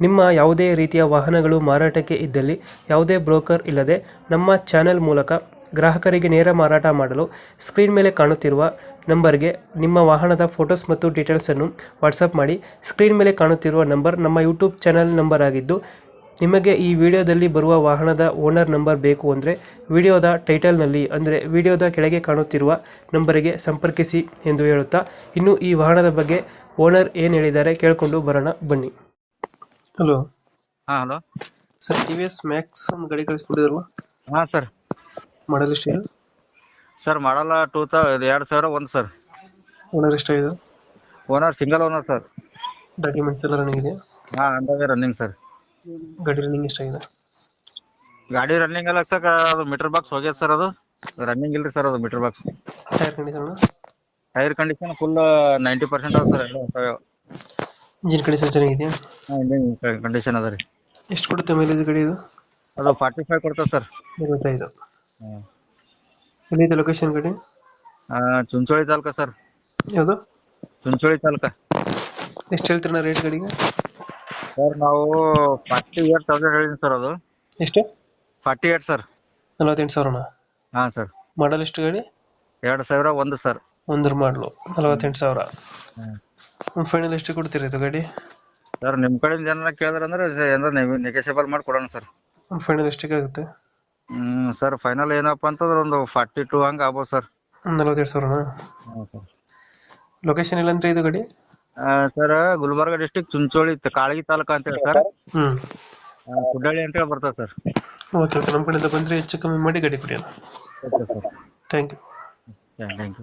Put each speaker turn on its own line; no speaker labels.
ನಿಮ್ಮ ಯಾವುದೇ ರೀತಿಯ ವಾಹನಗಳು ಮಾರಾಟಕ್ಕೆ ಇದ್ದಲ್ಲಿ ಯಾವುದೇ ಬ್ರೋಕರ್ ಇಲ್ಲದೆ ನಮ್ಮ ಚಾನೆಲ್ ಮೂಲಕ ಗ್ರಾಹಕರಿಗೆ ನೇರ ಮಾರಾಟ ಮಾಡಲು ಸ್ಕ್ರೀನ್ ಮೇಲೆ ಕಾಣುತ್ತಿರುವ ನಂಬರ್ಗೆ ನಿಮ್ಮ ವಾಹನದ ಫೋಟೋಸ್ ಮತ್ತು ಡೀಟೇಲ್ಸನ್ನು ವಾಟ್ಸಪ್ ಮಾಡಿ. ಸ್ಕ್ರೀನ್ ಮೇಲೆ ಕಾಣುತ್ತಿರುವ ನಂಬರ್ ನಮ್ಮ ಯೂಟ್ಯೂಬ್ ಚಾನೆಲ್ ನಂಬರ್ ಆಗಿದ್ದು, ನಿಮಗೆ ಈ ವಿಡಿಯೋದಲ್ಲಿ ಬರುವ ವಾಹನದ ಓನರ್ ನಂಬರ್ ಬೇಕು ಅಂದರೆ ವಿಡಿಯೋದ ಟೈಟಲ್ನಲ್ಲಿ ಅಂದರೆ ವಿಡಿಯೋದ ಕೆಳಗೆ ಕಾಣುತ್ತಿರುವ ನಂಬರಿಗೆ ಸಂಪರ್ಕಿಸಿ ಎಂದು ಹೇಳುತ್ತಾ, ಇನ್ನು ಈ ವಾಹನದ ಬಗ್ಗೆ ಓನರ್ ಏನು ಹೇಳಿದ್ದಾರೆ ಕೇಳಿಕೊಂಡು ಬರೋಣ ಬನ್ನಿ. ಹಲೋ.
ಹಾ hello
sir, T V S Max ಒಂದು ಗಾಡಿ ಕಳಿಸ್ಕೊಟ್ಟಿದ್ರಲ್ಲ,
ಹಾ ಸರ್.
ಮಾಡಲ್ ಎಷ್ಟು?
Sir model 2001 sir.
ಓನರ್ ಎಷ್ಟಾಗಿದೆ?
Owner single owner sir.
Documents ಎಲ್ಲ ರನ್ನಿಂಗ್ ಇದೆ?
ಹಾ ಅಂದಾಗೆ ರನ್ನಿಂಗ್ ಸರ್.
ಗಾಡಿ ರನ್ನಿಂಗ್ ಎಷ್ಟಾಗಿದೆ?
ಗಾಡಿ ರನ್ನಿಂಗ್ ಎಲ್ಲ ಸರ್, ಅದು ಮೀಟರ್ ಬಾಕ್ಸ್ ಹೋಗ್ಯದ ಸರ್. ಅದು ರನ್ನಿಂಗ್ ಇಲ್ರಿ ಸರ್, ಅದು meter box.
Tyre condition?
Tyre condition full 90% ಅದ ಸರ್. ಎಲ್ಲ
ಇಂಜಿನ್ ಕಂಡೀಷನ್ ಚೆನ್ನಾಗಿದೆಯಾ?
ಇಂಜಿನ್ ಕಂಡೀಷನ್ ಅದ ರೀ.
ಎಷ್ಟು ಕೊಡುತ್ತೆ ಮೈಲೇಜ್ ಗಾಡಿ ಇದು?
ಅದು 45 ಕೊಡ್ತದೆ ಸರ್.
45. ಎಲ್ಲಿದೆ ಲೊಕೇಶನ್ ಗಾಡಿ?
ಚುಂಚೋಳಿ ತಾಲೂಕ ಸರ್.
ಯಾವುದು?
ಚುಂಚೋಳಿ ತಾಲೂಕ.
ಎಷ್ಟು ಹೇಳ್ತೀರಣ್ಣ ರೇಟ್ ಗಾಡಿಗೆ?
ಸರ್ ನಾವು 48,000 ಹೇಳಿದ್ವಿ ಸರ್. ಅದು
ಎಷ್ಟು?
48 ಸರ್.
48,000?
ಹಾ ಸರ್.
ಮಾಡಲ್ ಎಷ್ಟು ಗಾಡಿ?
2001 ಸರ್.
ಒಂದ್ರ ಮಾಡಲು 48,000. ಫೈನಲ್ ಎಷ್ಟು ಕೊಡ್ತೀರಾ ಇದು ಗಾಡಿ?
ಸರ್ ನಿಮ್ ಕಡೆಯಿಂದ ಏನಾರ ಕೇಳಿದ್ರಂದ್ರೆ ಏನಾರ ನೆಗೋಷಿಯಬಲ್ ಮಾಡಿ ಕೊಡೋಣ ಸರ್.
ಫೈನಲ್ ಎಷ್ಟಕ್ಕೆ ಆಗುತ್ತೆ?
ಸರ್ ಫೈನಲ್ ಏನಪ್ಪಾ ಅಂತಂದ್ರೆ ಒಂದು 42 ಹಂಗ ಆಗ್ಬೋದು ಸರ್.
48,000?
ಹಾಂ ಸರ್.
ಲೊಕೇಶನ್ ಇಲ್ಲಂದ್ರೆ ಇದು ಗಾಡಿ?
ಸರ್ ಗುಲ್ಬರ್ಗ ಡಿಸ್ಟಿಕ್ ಚುಂಚೋಳಿ ಕಾಳಗಿ ತಾಲೂಕ ಅಂತೇಳಿ ಸರ್. ಕುಡ್ಡಳ್ಳಿ ಅಂತೇಳಿ ಬರ್ತದೆ ಸರ್.
ಓಕೆ ಓಕೆ, ನಮ್ಮ ಕಡೆಯಿಂದ ಬಂದರೆ ಹೆಚ್ಚು ಕಮ್ಮಿ ಮಾಡಿ ಗಾಡಿ ಕೊಡಿ.
Okay sir.
Thank you.
Thank you.